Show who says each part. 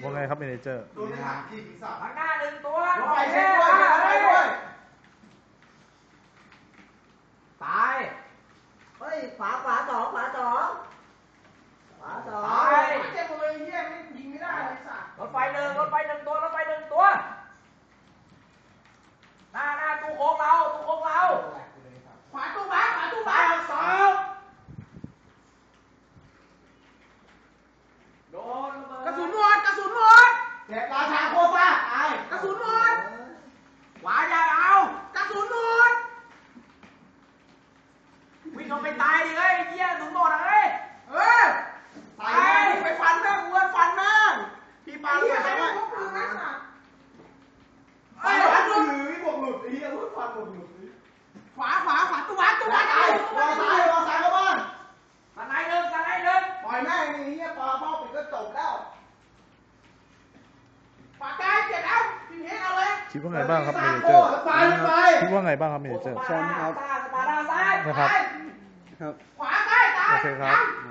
Speaker 1: ว่าไงครับเมเนเจอร์
Speaker 2: โดนไปหักที่ศีรษะ
Speaker 3: ข้างหน้าหนึ่งตัว
Speaker 2: รถไฟเช็คด้วยรถไฟด้วย
Speaker 3: ตาย
Speaker 4: เฮ้ยขวาสองตาย
Speaker 2: เจ็บหมดเลยเฮียไม่ยิงไม่ได้เลยสัตว์
Speaker 3: รถไฟหนึ่งตัว หน้าตู้โค้งเรา
Speaker 2: ขวาตู้บ้า
Speaker 3: ตายสองโดนระเบิด
Speaker 2: กระสุนหมดเจ็บราชาโคฟ้าตายกระสุนหมด
Speaker 3: ขวาอย่าเอา
Speaker 2: กระสุนหมด
Speaker 3: วิ่งลงไปตายดิเฮ้ยเหี้ยถึงหมดเลย
Speaker 2: ตายไปฟันแม่งอ้วนฟันแม่งพี่ปาไปทำไมไปฟันหลุดพี่บวกหลุดไอ้เหี้ยอ้วนฟันบวกหลุดขวาตู้บ้าตายรอซ้ายเข้าบ้าน
Speaker 3: สไนด์หนึ่ง
Speaker 2: ปล่อยแม่งนี่เหี้ยปลาเป้าปิดก็จบแล้วปากกายเจ็บแล้วพี่เฮงเอาเลย
Speaker 1: คิดว่าไงบ้างครับเมเนเจอร์
Speaker 2: ไป
Speaker 1: คิดว่าไงบ้างครับเมเนเจอร์
Speaker 3: สปาร์ตาซ้าย
Speaker 1: นะครับ
Speaker 2: ขวาใกล้ตาย
Speaker 1: โอเคครับ